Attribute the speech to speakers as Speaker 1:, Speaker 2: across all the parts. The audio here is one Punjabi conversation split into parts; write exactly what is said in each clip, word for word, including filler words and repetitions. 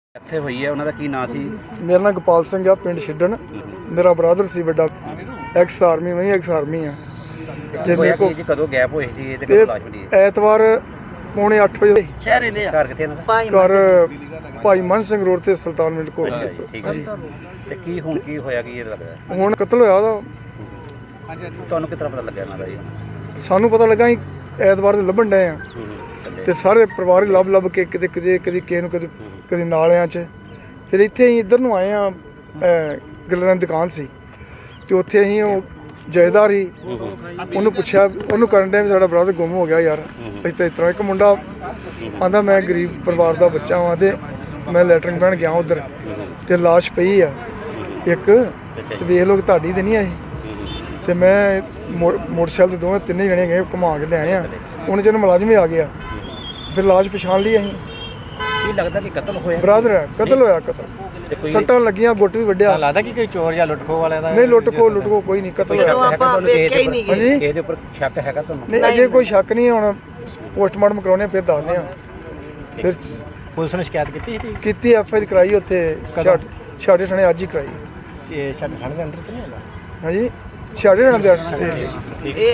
Speaker 1: ਇੱਥੇ ਹੋਈ ਹੈ ਉਹਨਾਂ ਦਾ ਕੀ ਨਾਂ ਸੀ?
Speaker 2: ਮੇਰਾ ਨਾਮ ਗੋਪਾਲ ਸਿੰਘ ਆ, ਪਿੰਡ ਛਿੱਡਣ। ਮੇਰਾ ਬ੍ਰਦਰ ਸੀ ਵੱਡਾ, ਐਕਸ ਆਰਮੀ, ਮੈਂ ਐਕਸ ਆਰਮੀ ਆ।
Speaker 1: ਤੇ ਮੇਰੇ ਕੋਲ ਕਦੋਂ ਗੈਪ ਹੋਈ ਸੀ ਤੇ ਕਦੋਂ ਲਾਸ਼ ਮਿਲੀ?
Speaker 2: ਐਤਵਾਰ ਪੌਣੇ ਅੱਠ ਵਜੇ
Speaker 1: ਸ਼ਹਿਰ ਰਹਿੰਦੇ ਆ। ਘਰ ਕਿੱਥੇ ਇਹਨਾਂ ਦਾ?
Speaker 2: ਘਰ ਭਾਈ ਮਨ ਸਿੰਘ ਰੋਡ ਤੇ ਸੁਲਤਾਨ ਮਿੰਟ ਕੋਲ।
Speaker 1: ਠੀਕ ਹੈ ਜੀ। ਤੇ ਕੀ ਹੁਣ ਕੀ ਹੋਇਆ, ਕੀ ਇਹ ਲੱਗਦਾ
Speaker 2: ਹੁਣ ਕਤਲ ਹੋਇਆ ਉਹਦਾ?
Speaker 1: ਤੁਹਾਨੂੰ ਕਿਸ ਤਰ੍ਹਾਂ ਪਤਾ ਲੱਗਿਆ ਇਹਨਾਂ ਦਾ ਜੀ?
Speaker 2: ਸਾਨੂੰ ਪਤਾ ਲੱਗਾ ਅਸੀਂ ਐਤਵਾਰ ਦੇ ਲੱਭਣ ਡਏ ਆ ਤੇ ਸਾਰੇ ਪਰਿਵਾਰ ਹੀ ਲੱਭ ਲੱਭ ਕੇ ਕਿਤੇ ਕਿਤੇ ਕਦੀ ਕਿਸੇ ਨੂੰ ਕਦੇ ਕਦੇ ਨਾਲਿਆਂ 'ਚ, ਫਿਰ ਇੱਥੇ ਅਸੀਂ ਇੱਧਰ ਨੂੰ ਆਏ ਆ। ਗੱਲਾਂ ਦੀ ਦੁਕਾਨ ਸੀ ਤੇ ਉੱਥੇ ਅਸੀਂ ਉਹ ਜਾਇਦਾਰ ਹੀ ਉਹਨੂੰ ਪੁੱਛਿਆ, ਉਹਨੂੰ ਕਰਨ ਡਿਆ ਵੀ ਸਾਡਾ ਬ੍ਰਦਰ ਗੁੰਮ ਹੋ ਗਿਆ ਯਾਰ। ਅਸੀਂ ਤਾਂ ਇਸ ਤਰ੍ਹਾਂ ਇੱਕ ਮੁੰਡਾ ਆਂਦਾ ਮੈਂ ਗਰੀਬ ਪਰਿਵਾਰ ਦਾ ਬੱਚਾ ਹਾਂ ਤੇ ਮੈਂ ਲੈਟਰਿੰਗ ਬਣ ਗਿਆ ਉੱਧਰ ਤੇ ਲਾਸ਼ ਪਈ ਆ ਇੱਕ, ਤੇ ਵੇਖ ਲਓ ਤੁਹਾਡੀ ਤੇ ਨਹੀਂ ਆਈ। ਤੇ ਮੈਂ ਮੋਟਰਸਾਈਕਲ ਤੇ ਦੋਵੇਂ ਤਿੰਨੇ ਜਣੇ ਗਏ ਘੁਮਾ ਕੇ ਲਿਆਏ ਆ। ਉਹਨੇ ਜਦੋਂ ਮੁਲਾਜ਼ਮ ਵੀ ਆ ਗਿਆ ਫਿਰ ਲਾਸ਼ ਪਛਾਣ ਲਈ ਅਸੀਂ।
Speaker 1: ਕੀ ਲੱਗਦਾ ਕਿ ਕਤਲ ਹੋਇਆ?
Speaker 2: ਬ੍ਰਦਰ ਹੈ, ਕਤਲ ਹੋਇਆ। ਕਤਲ ਸੱਟਾਂ ਲੱਗੀਆਂ, ਗੁੱਟ ਵੀ ਵੱਢਿਆ।
Speaker 3: ਲੱਗਦਾ ਕਿ ਕੋਈ ਚੋਰ ਜਾਂ ਲੁੱਟਖੋ ਵਾਲਿਆਂ ਦਾ?
Speaker 2: ਨਹੀਂ, ਲੁੱਟਖੋ ਲੁੱਟਖੋ ਕੋਈ ਨਹੀਂ, ਕਤਲ ਹੋਇਆ।
Speaker 1: ਤੁਹਾਨੂੰ ਕਿਸੇ ਦੇ ਉੱਪਰ ਸ਼ੱਕ ਹੈਗਾ ਤੁਹਾਨੂੰ?
Speaker 2: ਨਹੀਂ, ਅਜੇ ਕੋਈ ਸ਼ੱਕ ਨਹੀਂ। ਹੁਣ ਪੋਸਟਮਾਰਟਮ ਕਰਾਉਣੇ ਫਿਰ ਦੱਸਦੇ ਆ। ਫਿਰ
Speaker 3: ਪੁਲਿਸ ਨੇ ਸ਼ਿਕਾਇਤ ਕੀਤੀ ਸੀ?
Speaker 2: ਕੀਤੀ, ਐਫ ਆਈ ਆਰ ਕਰਾਈ ਉੱਥੇ ਛਾੜੇ ਥਾਣੇ ਅੱਜ ਹੀ ਕਰਾਈ।
Speaker 3: ਇਹ ਛਾੜੇ ਥਾਣੇ ਦੇ ਅੰਦਰ ਤਾਂ ਨਹੀਂ ਹੁੰਦਾ?
Speaker 2: ਹਾਂਜੀ, ਛਾੜੇ ਥਾਣੇ ਦੇ
Speaker 4: ਇਹ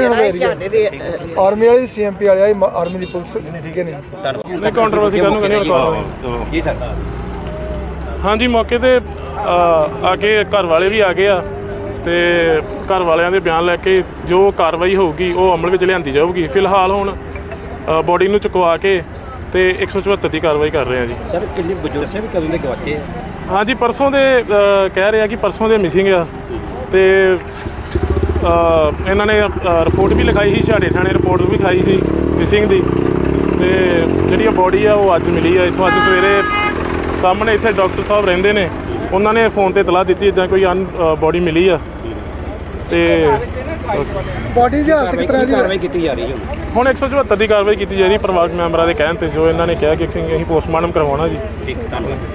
Speaker 2: ਆਰਮੀ ਵਾਲੇ, ਸੀ ਐਮ ਪੀ ਵਾਲੇ, ਆਰਮੀ ਦੀ ਪੁਲਿਸ ਕਿ ਨਹੀਂ?
Speaker 5: ਨਹੀਂ, ਕੰਟਰੋਵਰਸੀ ਕਰਨ ਨੂੰ ਕਹਿੰਦੇ ਰੁਕਵਾ
Speaker 1: ਜੀ ਸਰ।
Speaker 5: ਹਾਂਜੀ, ਮੌਕੇ ਤੇ ਆ ਕੇ ਘਰ ਵਾਲੇ ਵੀ ਆ ਗਏ ਆ ਤੇ ਘਰ ਵਾਲਿਆਂ ਦੇ ਬਿਆਨ ਲੈ ਕੇ ਜੋ ਕਾਰਵਾਈ ਹੋਊਗੀ ਉਹ ਅਮਲ ਵਿੱਚ ਲਿਆਂਦੀ ਜਾਊਗੀ। ਫਿਲਹਾਲ ਹੁਣ ਬੋਡੀ ਨੂੰ ਚੁਕਵਾ ਕੇ ਤੇ ਇੱਕ ਸੌ ਚੁਹੱਤਰ ਦੀ ਕਾਰਵਾਈ ਕਰ ਰਹੇ ਆ ਜੀ।
Speaker 1: ਸਰ, ਕਿੰਨੇ ਬਜ਼ੁਰਗ ਸੇ ਵੀ ਕਦੋਂ ਦੇ ਗਵਾਚੇ ਆ?
Speaker 5: ਹਾਂਜੀ, ਪਰਸੋਂ ਦੇ ਕਹਿ ਰਹੇ ਆ ਕਿ ਪਰਸੋਂ ਦੇ ਮਿਸਿੰਗ ਆ ਤੇ ਇਹਨਾਂ ਨੇ ਰਿਪੋਰਟ ਵੀ ਲਿਖਾਈ ਸੀ, ਛਾੜੇ ਥਾਣੇ ਰਿਪੋਰਟ ਵੀ ਲਿਖਾਈ ਸੀ ਮਿਸਿੰਗ ਦੀ। ਤੇ ਜਿਹੜੀ ਬੋਡੀ ਆ ਉਹ ਅੱਜ ਮਿਲੀ ਆ ਇੱਥੋਂ। ਅੱਜ ਸਵੇਰੇ ਸਾਹਮਣੇ ਇੱਥੇ ਡਾਕਟਰ ਸਾਹਿਬ ਰਹਿੰਦੇ ਨੇ, ਉਹਨਾਂ ਨੇ ਫੋਨ ਤੇ ਇਤਲਾਹ ਦਿੱਤੀ ਇੱਦਾਂ ਕੋਈ ਅਨ ਬੋਡੀ ਮਿਲੀ ਆ। ਤੇ
Speaker 2: ਬੋਡੀ ਦੀ ਹਾਲਤ ਕਿਸ ਤਰ੍ਹਾਂ ਦੀ
Speaker 1: ਕਾਰਵਾਈ ਕੀਤੀ ਜਾ ਰਹੀ ਹੈ?
Speaker 5: ਹੁਣ ਇੱਕ ਸੌ ਚੁਹੱਤਰ ਦੀ ਕਾਰਵਾਈ ਕੀਤੀ ਜਾ ਰਹੀ ਪਰਿਵਾਰਕ ਮੈਂਬਰਾਂ ਦੇ ਕਹਿਣ ਤੇ, ਜੋ ਇਹਨਾਂ ਨੇ ਕਿਹਾ ਕਿ ਅਸੀਂ ਪੋਸਟਮਾਰਟਮ ਕਰਵਾਉਣਾ ਜੀ।
Speaker 1: ਠੀਕ, ਧੰਨਵਾਦ।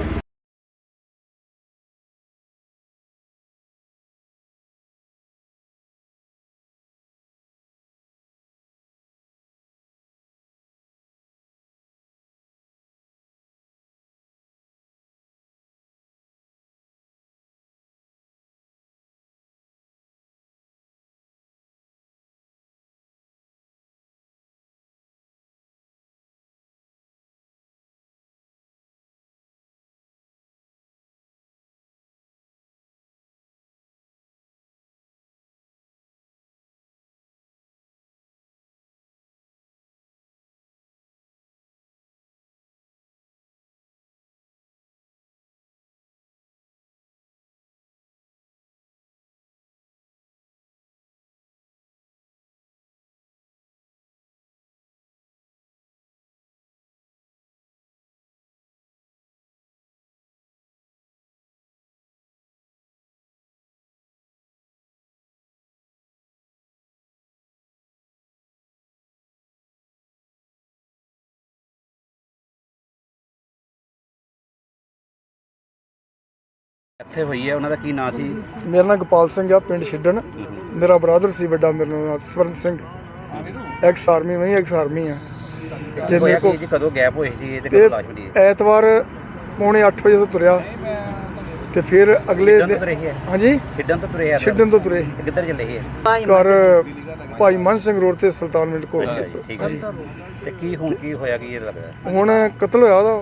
Speaker 1: ਇੱਥੇ ਹੋਈ ਹੈ ਉਹਨਾਂ ਦਾ ਕੀ ਨਾਂ ਸੀ?
Speaker 2: ਮੇਰਾ ਨਾਮ ਗੋਪਾਲ ਸਿੰਘ ਆ, ਪਿੰਡ ਛਿੱਡਣ। ਮੇਰਾ ਬ੍ਰਦਰ ਸੀ ਵੱਡਾ, ਮੇਰਾ ਨਾਮ ਸਵਰਨ ਸਿੰਘ, ਐਕਸ ਆਰਮੀ, ਮੈਂ ਐਕਸ ਆਰਮੀ ਆ।
Speaker 1: ਤੇ ਮੇਰੇ ਕੋਲ ਕਦੋਂ ਗੈਪ ਹੋਈ ਸੀ ਤੇ ਕਦੋਂ ਲਾਸ਼ ਮਿਲੀ?
Speaker 2: ਐਤਵਾਰ ਪੌਣੇ ਅੱਠ ਵਜੇ ਤੋਂ ਤੁਰਿਆ ਤੇ ਫਿਰ ਅਗਲੇ ਦਿਨ। ਹਾਂਜੀ,
Speaker 1: ਛਿੱਡਣ ਤੋਂ ਤੁਰੇ ਆ?
Speaker 2: ਛਿੱਡਣ ਤੋਂ ਤੁਰੇ।
Speaker 1: ਕਿੱਧਰ ਚੱਲੇ ਸੀ?
Speaker 2: ਘਰ ਭਾਈ ਮਨ ਸਿੰਘ ਰੋਡ ਤੇ ਸੁਲਤਾਨ ਮਿੰਟ ਕੋਲ।
Speaker 1: ਠੀਕ ਹੈ ਜੀ। ਤੇ ਕੀ ਹੁਣ ਕੀ ਹੋਇਆ, ਕੀ ਇਹ ਲੱਗਦਾ
Speaker 2: ਹੁਣ ਕਤਲ ਹੋਇਆ ਉਹਦਾ?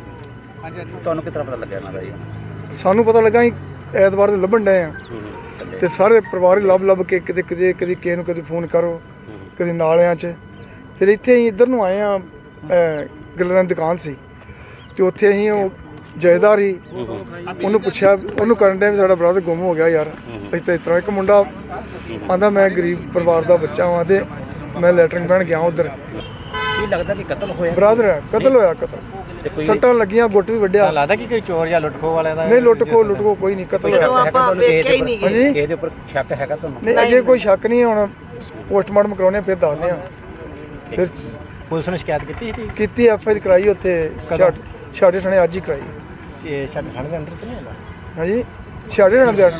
Speaker 1: ਤੁਹਾਨੂੰ ਕਿਸ ਤਰ੍ਹਾਂ ਪਤਾ ਲੱਗਿਆ ਇਹਨਾਂ ਦਾ ਜੀ?
Speaker 2: ਸਾਨੂੰ ਪਤਾ ਲੱਗਾ ਅਸੀਂ ਐਤਵਾਰ ਦੇ ਲੱਭਣ ਡਏ ਆ ਤੇ ਸਾਰੇ ਪਰਿਵਾਰ ਹੀ ਲੱਭ ਲੱਭ ਕੇ ਕਿਤੇ ਕਿਤੇ ਕਦੀ ਕਿਸੇ ਨੂੰ ਕਦੇ ਫੋਨ ਕਰੋ ਕਦੇ ਨਾਲਿਆਂ 'ਚ, ਫਿਰ ਇੱਥੇ ਅਸੀਂ ਇੱਧਰ ਨੂੰ ਆਏ ਆ। ਗੱਲਾਂ ਦੀ ਦੁਕਾਨ ਸੀ ਤੇ ਉੱਥੇ ਅਸੀਂ ਉਹ ਜਾਇਦਾਰ ਹੀ ਉਹਨੂੰ ਪੁੱਛਿਆ, ਉਹਨੂੰ ਕਰਨ ਡਿਆ ਵੀ ਸਾਡਾ ਬ੍ਰਦਰ ਗੁੰਮ ਹੋ ਗਿਆ ਯਾਰ। ਅਸੀਂ ਤਾਂ ਇਸ ਤਰ੍ਹਾਂ ਇੱਕ ਮੁੰਡਾ ਆਂਦਾ ਮੈਂ ਗਰੀਬ ਪਰਿਵਾਰ ਦਾ ਬੱਚਾ ਹਾਂ ਤੇ ਮੈਂ ਲੈਟਰਿੰਗ ਬਣ ਗਿਆ ਉੱਧਰ।
Speaker 1: ਕੀ ਲੱਗਦਾ ਕਿ ਕਤਲ ਹੋਇਆ?
Speaker 2: ਬ੍ਰਦਰ ਹੈ, ਕਤਲ ਹੋਇਆ। ਕਤਲ ਸੱਟਾਂ ਲੱਗੀਆਂ, ਗੁੱਟ ਵੀ ਵੱਢਿਆ।
Speaker 3: ਲੱਗਦਾ ਕਿ ਕੋਈ ਚੋਰ ਜਾਂ ਲੁੱਟਖੋ ਵਾਲਿਆਂ ਦਾ?
Speaker 2: ਨਹੀਂ, ਲੁੱਟਖੋ ਲੁੱਟਖੋ ਕੋਈ ਨਹੀਂ, ਕਤਲ ਹੋਇਆ।
Speaker 1: ਹਾਂਜੀ, ਕਿਸੇ ਦੇ ਉੱਪਰ ਸ਼ੱਕ ਹੈਗਾ ਤੁਹਾਨੂੰ?
Speaker 2: ਨਹੀਂ, ਅਜੇ ਕੋਈ ਸ਼ੱਕ ਨਹੀਂ। ਹੁਣ ਪੋਸਟਮਾਰਟਮ ਕਰਾਉਣੇ ਫਿਰ ਦੱਸਦੇ ਆ। ਫਿਰ
Speaker 3: ਪੁਲਿਸ ਨੇ ਸ਼ਿਕਾਇਤ ਕੀਤੀ ਸੀ?
Speaker 2: ਕੀਤੀ, ਐਫ ਆਈ ਆਰ ਕਰਾਈ ਉੱਥੇ ਛਾੜੇ ਥਾਣੇ ਅੱਜ ਹੀ ਕਰਾਈ।
Speaker 3: ਇਹ ਛਾੜੇ ਥਾਣੇ ਦੇ ਅੰਦਰ ਤਾਂ ਨਹੀਂ ਹੁੰਦਾ?
Speaker 2: ਹਾਂਜੀ, ਛਾੜੇ ਥਾਣੇ ਦੇ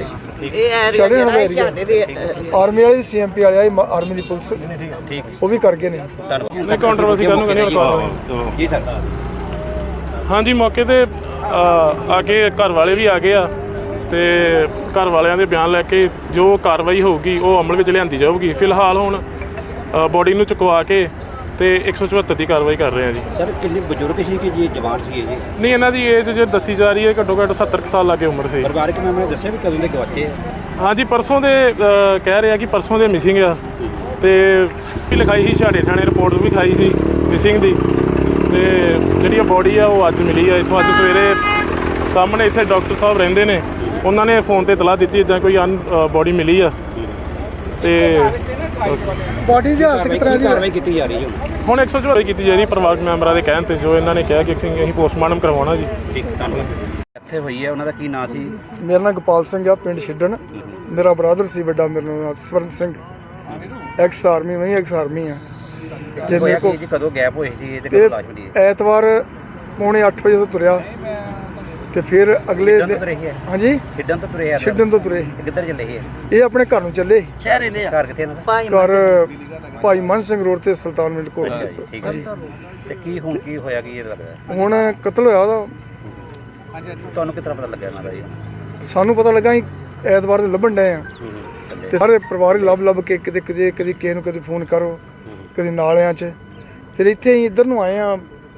Speaker 2: ਛਾੜੇ ਥਾਣੇ ਦੇ ਆਰਮੀ ਵਾਲੇ, ਸੀ ਐਮ ਪੀ ਵਾਲੇ, ਆਰਮੀ ਦੀ ਪੁਲਿਸ ਉਹ ਵੀ ਕਰ ਗਏ ਨੇ।
Speaker 5: ਨਹੀਂ, ਕੰਟਰੋਵਰਸੀ ਕਰਨ ਨੂੰ ਕਹਿੰਦੇ ਰੁਕਵਾ
Speaker 1: ਜੀ ਸਰ।
Speaker 5: ਹਾਂਜੀ ਮੌਕੇ ਤੇ ਅ, ਆ ਕੇ ਘਰ ਵਾਲੇ ਵੀ ਆ ਗਏ ਆ ਤੇ ਘਰ ਵਾਲਿਆਂ ਦੇ ਬਿਆਨ ਲੈ ਕੇ ਜੋ ਕਾਰਵਾਈ ਹੋਊਗੀ ਉਹ ਅਮਲ ਵਿੱਚ ਲਿਆਂਦੀ ਜਾਊਗੀ। ਫਿਲਹਾਲ ਹੁਣ ਬੋਡੀ ਨੂੰ ਚੁਕਵਾ ਕੇ ਤੇ ਇੱਕ ਸੌ ਚੁਹੱਤਰ ਦੀ ਕਾਰਵਾਈ ਕਰ ਰਹੇ ਆ ਜੀ।
Speaker 1: ਸਰ ਕਿੰਨੇ ਬਜ਼ੁਰਗ ਸੀ ਕਿ ਜੀ ਜਵਾਨ ਸੀ ਇਹ ਜੀ?
Speaker 5: ਨਹੀਂ, ਇਹਨਾਂ ਦੀ ਏਜ ਜੇ ਦੱਸੀ ਜਾ ਰਹੀ ਹੈ ਘੱਟੋ ਘੱਟ ਸੱਤਰ ਕੁ ਸਾਲ ਲਾਗੇ ਉਮਰ ਸੀ।
Speaker 1: ਪਰਿਵਾਰਕ ਮੈਂਬਰਾਂ ਨੇ ਦੱਸਿਆ ਵੀ ਕਦੋਂ ਦੇ ਗਵਾਚੇ ਆ?
Speaker 5: ਹਾਂਜੀ ਪਰਸੋਂ ਦੇ ਅ, ਕਹਿ ਰਹੇ ਆ ਕਿ ਪਰਸੋਂ ਦੇ ਮਿਸਿੰਗ ਆ ਤੇ ਵੀ ਲਿਖਾਈ ਸੀ ਛਾੜੇ ਥਾਣੇ ਰਿਪੋਰਟ ਵੀ ਲਿਖਾਈ ਸੀ ਮਿਸਿੰਗ ਦੀ ਤੇ ਜਿਹੜੀ ਆ ਬੋਡੀ ਆ ਉਹ ਅੱਜ ਮਿਲੀ ਆ ਇੱਥੋਂ। ਅੱਜ ਸਵੇਰੇ ਸਾਹਮਣੇ ਇੱਥੇ ਡਾਕਟਰ ਸਾਹਿਬ ਰਹਿੰਦੇ ਨੇ, ਉਹਨਾਂ ਨੇ ਫੋਨ ਤੇ ਇਤਲਾਹ ਦਿੱਤੀ ਇੱਦਾਂ ਕੋਈ ਅਨ ਬੋਡੀ ਮਿਲੀ ਆ ਤੇ
Speaker 2: ਬਾਡੀ ਦੀ ਹਾਲਤ ਕਿਸ ਤਰ੍ਹਾਂ ਦੀ ਹੈ?
Speaker 1: ਕਾਰਵਾਈ ਕੀਤੀ ਜਾ ਰਹੀ ਹੈ
Speaker 5: ਹੁਣ ਇੱਕ ਸੌ ਚੁਹੱਤਰ ਕੀਤੀ ਜਾ ਰਹੀ ਪਰਿਵਾਰਕ ਮੈਂਬਰਾਂ ਦੇ ਕਹਿਣ ਤੇ, ਜੋ ਇਹਨਾਂ ਨੇ ਕਿਹਾ ਕਿ ਅਸੀਂ ਅਸੀਂ ਪੋਸਟਮਾਰਟਮ ਕਰਵਾਉਣਾ ਜੀ।
Speaker 1: ਠੀਕ, ਧੰਨਵਾਦ। ਇੱਥੇ ਹੋਈ ਹੈ, ਉਹਨਾਂ ਦਾ ਕੀ ਨਾਂ ਸੀ?
Speaker 2: ਮੇਰਾ ਨਾਮ ਗੋਪਾਲ ਸਿੰਘ ਆ, ਪਿੰਡ ਛਿੱਡਣ। ਮੇਰਾ ਬ੍ਰਦਰ ਸੀ ਵੱਡਾ, ਮੇਰਾ ਨਾਮ ਸਵਰਨ ਸਿੰਘ, ਐਕਸ ਆਰਮੀ, ਮੈਂ ਐਕਸ ਆਰਮੀ ਆ। ਤੇ ਮੇਰੇ ਕੋਲ
Speaker 1: ਜੀ ਕਦੋਂ ਗੈਪ ਹੋਈ ਸੀ ਤੇ ਕਦੋਂ ਲਾਸ਼ ਮਿਲੀ ਹੈ?
Speaker 2: ਐਤਵਾਰ ਪੌਣੇ ਅੱਠ ਵਜੇ ਤੋਂ ਤੁਰਿਆ ਤੇ ਫਿਰ ਅਗਲੇ
Speaker 1: ਛਿੱਡਣ ਤੋਂ
Speaker 2: ਦਿਨ-
Speaker 1: ਤੁਰੇ ਸੀ ਇਹ?
Speaker 2: ਹਾਂਜੀ
Speaker 1: ਛਿੱਡਣ ਤੋਂ ਤੁਰੇ ਆ?
Speaker 2: ਛਿੱਡਣ ਤੋਂ ਤੁਰੇ।
Speaker 1: ਇਹ ਕਿੱਧਰ ਚੱਲੇ ਸੀ ਇਹ?
Speaker 2: ਇਹ ਆਪਣੇ ਘਰ ਨੂੰ ਚੱਲੇ।
Speaker 1: ਸ਼ਹਿਰ ਰਹਿੰਦੇ ਆ? ਘਰ ਕਿੱਥੇ ਇਹਨਾਂ ਦਾ?
Speaker 2: ਘਰ ਭਾਈ ਮਨ ਸਿੰਘ ਰੋਡ ਤੇ ਸੁਲਤਾਨ ਮਿੰਟ ਕੋਲ।
Speaker 1: ਅੱਛਾ ਜੀ, ਠੀਕ ਹੈ ਜੀ। ਤੇ ਕੀ ਹੁਣ ਕੀ ਹੋਇਆ, ਕੀ ਇਹ ਲੱਗਦਾ?
Speaker 2: ਹੁਣ ਕਤਲ ਹੋਇਆ ਉਹਦਾ।
Speaker 1: ਤੁਹਾਨੂੰ ਕਿਸ ਤਰ੍ਹਾਂ ਪਤਾ ਲੱਗਿਆ ਇਹਨਾਂ ਦਾ ਜੀ?
Speaker 2: ਸਾਨੂੰ ਪਤਾ ਲੱਗਾ ਅਸੀਂ ਐਤਵਾਰ ਦੇ ਲੱਭਣ ਡਏ ਆ ਤੇ ਸਾਰੇ ਪਰਿਵਾਰ ਹੀ ਲੱਭ ਲੱਭ ਕੇ ਕਿਤੇ ਕਿਤੇ ਕਦੀ ਕਿਸੇ ਨੂੰ ਕਦੇ ਫੋਨ ਕਰੋ, ਕਦੀ ਨਾਲਿਆਂ 'ਚ। ਫਿਰ ਇੱਥੇ ਅਸੀਂ ਇੱਧਰ ਨੂੰ ਆਏ ਆ,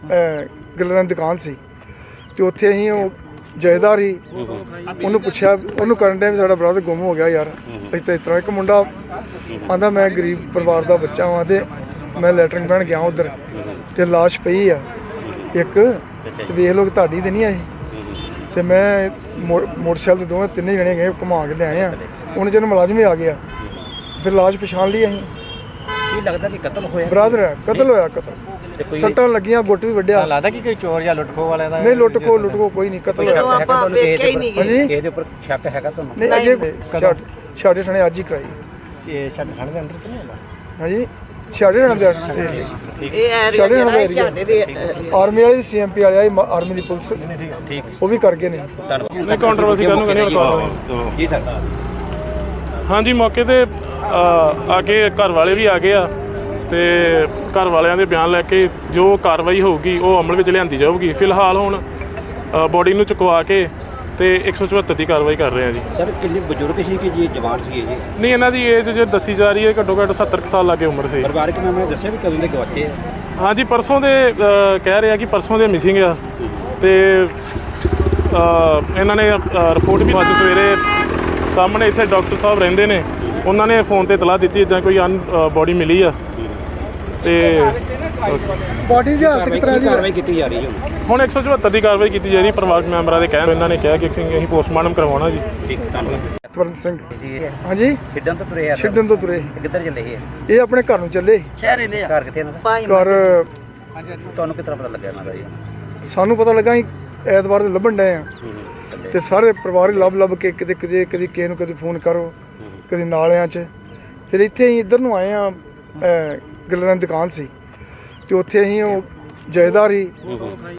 Speaker 2: ਗੱਲਾਂ ਦੀ ਦੁਕਾਨ ਸੀ ਤੇ ਉੱਥੇ ਅਸੀਂ ਉਹ ਜਾਇਦਾਰ ਹੀ ਉਹਨੂੰ ਪੁੱਛਿਆ, ਉਹਨੂੰ ਕਰਨ ਡਿਆ ਵੀ ਸਾਡਾ ਬ੍ਰਦਰ ਗੁੰਮ ਹੋ ਗਿਆ ਯਾਰ। ਅਸੀਂ ਤਾਂ ਇਸ ਤਰ੍ਹਾਂ ਇੱਕ ਮੁੰਡਾ ਆਂਦਾ ਮੈਂ ਗਰੀਬ ਪਰਿਵਾਰ ਦਾ ਬੱਚਾ ਹਾਂ ਤੇ ਮੈਂ ਲੈਟਰਿੰਗ ਪੈਣ ਗਿਆ ਉਧਰ ਤੇ ਲਾਸ਼ ਪਈ ਆ ਇੱਕ, ਤੇ ਵੇਖ ਲਓ ਕਿ ਤੁਹਾਡੀ ਤੇ ਨਹੀਂ ਆਈ। ਤੇ ਮੈਂ ਮੋ- ਮੋਟਰਸਾਈਕਲ ਤੇ ਦੋਵੇਂ ਤਿੰਨੇ ਜਣੇ ਗਏ ਘੁਮਾ ਕੇ ਲਿਆਏ ਆ। ਉਹਨੇ ਜਦੋਂ ਮੁਲਾਜ਼ਮ ਵੀ ਆ ਗਿਆ ਫਿਰ ਲਾਸ਼ ਪਛਾਣ ਲਈ ਅਸੀਂ।
Speaker 1: ਕੀ ਲੱਗਦਾ ਕਿ ਕਤਲ ਹੋਇਆ?
Speaker 2: ਬ੍ਰਦਰ ਹੈ, ਕਤਲ ਹੋਇਆ ਕਤਲ।
Speaker 1: ਤੇ ਕੋਈ
Speaker 2: ਸੱਟਾਂ ਲੱਗੀਆਂ, ਗੁੱਟ ਵੀ ਵੱਢਿਆ।
Speaker 3: ਲੱਗਦਾ ਕਿ ਕੋਈ ਚੋਰ ਜਾਂ ਲੁੱਟਖੋ ਵਾਲਿਆਂ ਦਾ
Speaker 2: ਨਹੀਂ ਲੁੱਟ ਖੋ ਲੁੱਟ ਖੋ ਕੋਈ ਨਹੀਂ, ਕਤਲ ਹੋਇਆ।
Speaker 1: ਸ਼ੱਕ ਹੈਗਾ ਤੁਹਾਨੂੰ ਕਿਸੇ ਦੇ ਉੱਪਰ?
Speaker 2: ਹਾਂਜੀ
Speaker 1: ਕਿਸੇ ਦੇ ਉੱਪਰ ਸ਼ੱਕ ਹੈਗਾ ਤੁਹਾਨੂੰ?
Speaker 2: ਨਹੀਂ ਅਜੇ ਛਾੜੇ ਛਾੜੇ ਥਾਣੇ ਅੱਜ ਹੀ ਕਰਾਈ।
Speaker 3: ਇਹ ਛੱਡ ਖਾਣੇ ਦੇ ਅੰਦਰ ਤਾਂ ਨਹੀਂ ਹੁੰਦਾ?
Speaker 2: ਹਾਂਜੀ ਛਾੜੇ ਥਾਣੇ ਦੇ
Speaker 4: ਇਹ ਏਰੀਆ
Speaker 2: ਛਾੜੇ ਥਾਣੇ ਦਾ
Speaker 4: ਜਿਹੜਾ
Speaker 2: ਏਰੀਆ।
Speaker 4: ਝਾੜੇ ਦੇ
Speaker 2: ਆਰਮੀ ਵਾਲੇ ਵੀ ਸੀਐਮਪੀ ਵਾਲੇ ਆਏ, ਆਰਮੀ ਦੀ ਪੁਲਿਸ
Speaker 1: ਠੀਕ,
Speaker 2: ਉਹ ਵੀ ਕਰ ਗਏ ਨੇ।
Speaker 1: ਧੰਨਵਾਦ।
Speaker 5: ਨਹੀਂ ਕੰਟਰੋਵਰਸੀ ਕਰਨ ਨੂੰ ਕਹਿੰਦੇ ਰਿਕਾਰਡ
Speaker 1: ਜੀ ਸਰ।
Speaker 5: ਹਾਂਜੀ ਮੌਕੇ ਤੇ ਅ, ਆ ਕੇ ਘਰ ਵਾਲੇ ਵੀ ਆ ਗਏ ਆ ਤੇ ਘਰ ਵਾਲਿਆਂ ਦੇ ਬਿਆਨ ਲੈ ਕੇ ਜੋ ਕਾਰਵਾਈ ਹੋਊਗੀ ਉਹ ਅਮਲ ਵਿੱਚ ਲਿਆਂਦੀ ਜਾਊਗੀ। ਫਿਲਹਾਲ ਹੁਣ ਬੋਡੀ ਨੂੰ ਚੁਕਵਾ ਕੇ ਤੇ ਇੱਕ ਸੌ ਚੁਹੱਤਰ ਦੀ ਕਾਰਵਾਈ ਕਰ ਰਹੇ ਆ ਜੀ।
Speaker 1: ਸਰ ਕਿੰਨੇ ਬਜ਼ੁਰਗ ਸੀ ਕਿ ਜੀ ਜਵਾਨ ਸੀ ਇਹ ਜੀ?
Speaker 5: ਨਹੀਂ, ਇਹਨਾਂ ਦੀ ਏਜ ਜੇ ਦੱਸੀ ਜਾ ਰਹੀ ਹੈ ਘੱਟੋ ਘੱਟ ਸੱਤਰ ਕੁ ਸਾਲ ਲਾਗੇ ਉਮਰ ਸੀ।
Speaker 1: ਪਰਿਵਾਰਕ ਮੈਂਬਰਾਂ ਨੇ ਦੱਸਿਆ ਵੀ ਕਦੋਂ ਦੇ ਗਵਾਚੇ ਆ?
Speaker 5: ਹਾਂਜੀ ਪਰਸੋਂ ਦੇ ਅ, ਕਹਿ ਰਹੇ ਆ ਕਿ ਪਰਸੋਂ ਦੇ ਮਿਸਿੰਗ ਆ ਤੇ ਅ, ਇਹਨਾਂ ਨੇ ਰਿਪੋਰਟ ਵੀ ਅੱਜ ਸਵੇਰੇ ਸਾਹਮਣੇ ਇੱਥੇ ਡਾਕਟਰ ਸਾਹਿਬ ਰਹਿੰਦੇ ਨੇ, ਉਹਨਾਂ ਨੇ ਫੋਨ ਤੇ ਇਤਲਾਹ ਦਿੱਤੀ ਇੱਦਾਂ ਕੋਈ ਅਨ ਬੋਡੀ ਮਿਲੀ ਆ ਤੇ
Speaker 2: ਬਾਡੀ ਦੀ ਹਾਲਤ ਕਿਸ ਤਰ੍ਹਾਂ ਦੀ ਹੈ?
Speaker 1: ਕਾਰਵਾਈ ਕੀਤੀ ਜਾ ਰਹੀ ਹੈ
Speaker 5: ਹੁਣ ਇੱਕ ਸੌ ਚੁਹੱਤਰ ਦੀ ਕਾਰਵਾਈ ਕੀਤੀ ਜਾ ਰਹੀ ਪਰਿਵਾਰਕ ਮੈਂਬਰਾਂ ਦੇ ਕਹਿਣ। ਇਹਨਾਂ ਨੇ ਕਿਹਾ ਕਿ ਅਸੀਂ ਅਸੀਂ ਪੋਸਟਮਾਰਟਮ ਕਰਵਾਉਣਾ ਜੀ।
Speaker 1: ਠੀਕ, ਧੰਨਵਾਦ।
Speaker 2: ਸਵਰਨ ਸਿੰਘ,
Speaker 1: ਜੀ
Speaker 2: ਹਾਂਜੀ
Speaker 1: ਛਿੱਡਣ ਤੋਂ ਤੁਰੇ ਆ?
Speaker 2: ਛਿੱਡਣ ਤੋਂ ਤੁਰੇ।
Speaker 1: ਇਹ ਕਿੱਧਰ ਚੱਲੇ ਸੀ ਇਹ?
Speaker 2: ਇਹ ਆਪਣੇ ਘਰ ਨੂੰ ਚੱਲੇ।
Speaker 4: ਸ਼ਹਿਰ ਰਹਿੰਦੇ ਆ?
Speaker 1: ਘਰ ਕਿੱਥੇ ਇਹਨਾਂ ਦਾ?
Speaker 4: ਭਾਈ
Speaker 2: ਘਰ
Speaker 1: ਤੁਹਾਨੂੰ ਕਿਸ ਤਰ੍ਹਾਂ ਪਤਾ ਲੱਗਿਆ ਇਹਨਾਂ ਦਾ ਜੀ?
Speaker 2: ਸਾਨੂੰ ਪਤਾ ਲੱਗਾ ਅਸੀਂ ਐਤਵਾਰ ਦੇ ਲੱਭਣ ਡਏ ਆ ਤੇ ਸਾਰੇ ਪਰਿਵਾਰ ਹੀ ਲੱਭ ਲੱਭ ਕੇ ਕਿਤੇ ਕਿਤੇ ਕਦੀ ਕਿਸੇ ਨੂੰ ਕਦੇ ਫੋਨ ਕਰੋ, ਕਦੀ ਨਾਲਿਆਂ 'ਚ। ਫਿਰ ਇੱਥੇ ਅਸੀਂ ਇੱਧਰ ਨੂੰ ਆਏ ਆ, ਗੱਲਾਂ ਦੀ ਦੁਕਾਨ ਸੀ ਤੇ ਉੱਥੇ ਅਸੀਂ ਉਹ ਜਾਇਦਾਰ ਹੀ